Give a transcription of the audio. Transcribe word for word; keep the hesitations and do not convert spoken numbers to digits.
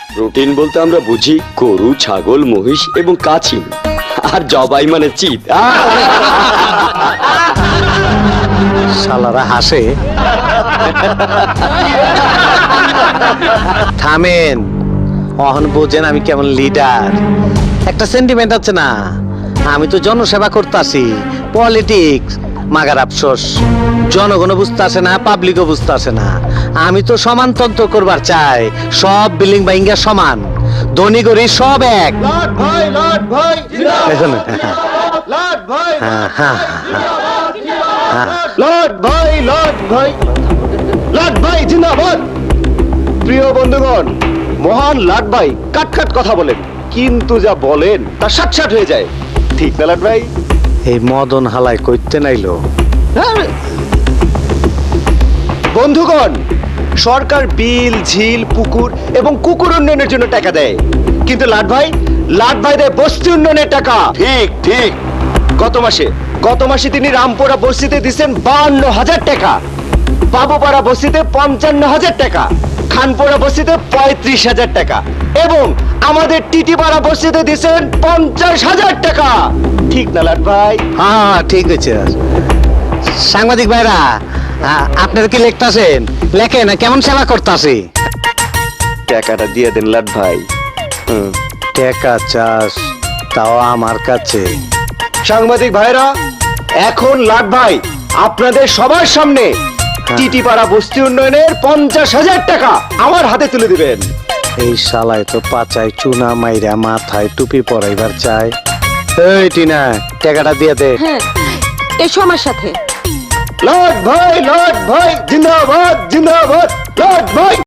Protein বলতে আমরা বুঝি গরু, ছাগল, মহিষ এবং কাছিম। আর জবাই মানে চিত। শালারা হাসে। থামেন, অহন বোঝেন আমি কেমন লিডার। একটা সেন্টিমেন্ট আছে না, আমি তো জনসেবা করতেছি, পলিটিক্স মাগার আফসোস। জনগণ বুঝতে আসে না, পাবলিকও বুঝতে আসে না। আমি তো সমানতন্ত্র করবার চাই, সব বিল্ডিং বাইঙ্গা সমান, ধনী গরিব সব এক। লাট ভাই লাট ভাই এখন লাট ভাই হ্যাঁ হ্যাঁ হ্যাঁ লাট ভাই লাট ভাই লাট ভাই জিন্দাবাদ। প্রিয় বন্ধুগণ, মহান লাট ভাই কাট কাট কথা বলেন, কিন্তু যা বলেন তা সাট সাট হয়ে যায়, ঠিক না লাট ভাই? এই মদন হালাই কইতে নাইলো। হ্যাঁ। বন্ধুগণ, সরকার বিল, ঝিল, পুকুর এবং কুকুর উন্নয়নের জন্য টাকা দেয়, কিন্তু লাট ভাই লাট ভাই দেয় বস্তি উন্নয়নের টাকা। ঠিক ঠিক গত মাসে গত মাসে তিনি রামপুরা বস্তিতে দিচ্ছেন বান্ন হাজার টাকা, বাবুপাড়া বস্তিতে পঞ্চান্ন হাজার টাকা, খানপুরা বস্তিতে পঁয়ত্রিশ হাজার টাকা এবং আমাদের টিটিপাড়া বস্তিতে দিচ্ছেন পঞ্চাশ হাজার টাকা। ঠিক না লাট ভাই? হ্যাঁ ঠিক আছে। সাংবাদিক ভাইরা, আপনারা কি লিখতাছেন? লেখে না, কেমন সেবা করতাছি। টাকাটা দিয়ে দেন লাট ভাই। হুম। টাকা চাস তাও আমার কাছে। সাংবাদিক ভাইরা, এখন লাট ভাই আপনাদের সবার সামনে টিটিপাড়া বস্তি উন্নয়নের পঞ্চাশ হাজার টাকা আমার হাতে তুলে দিবেন। এই শালায় তো পাচাই চুনা মাইরা মাথায় টুপি পরাইবার চাই। এই টিনা, টাকাটা দিয়ে দে। হ্যাঁ, এসো আমার সাথে। লাট ভাই লাট ভাই জিন্দাবাদ জিন্দাবাদ লাট ভাই।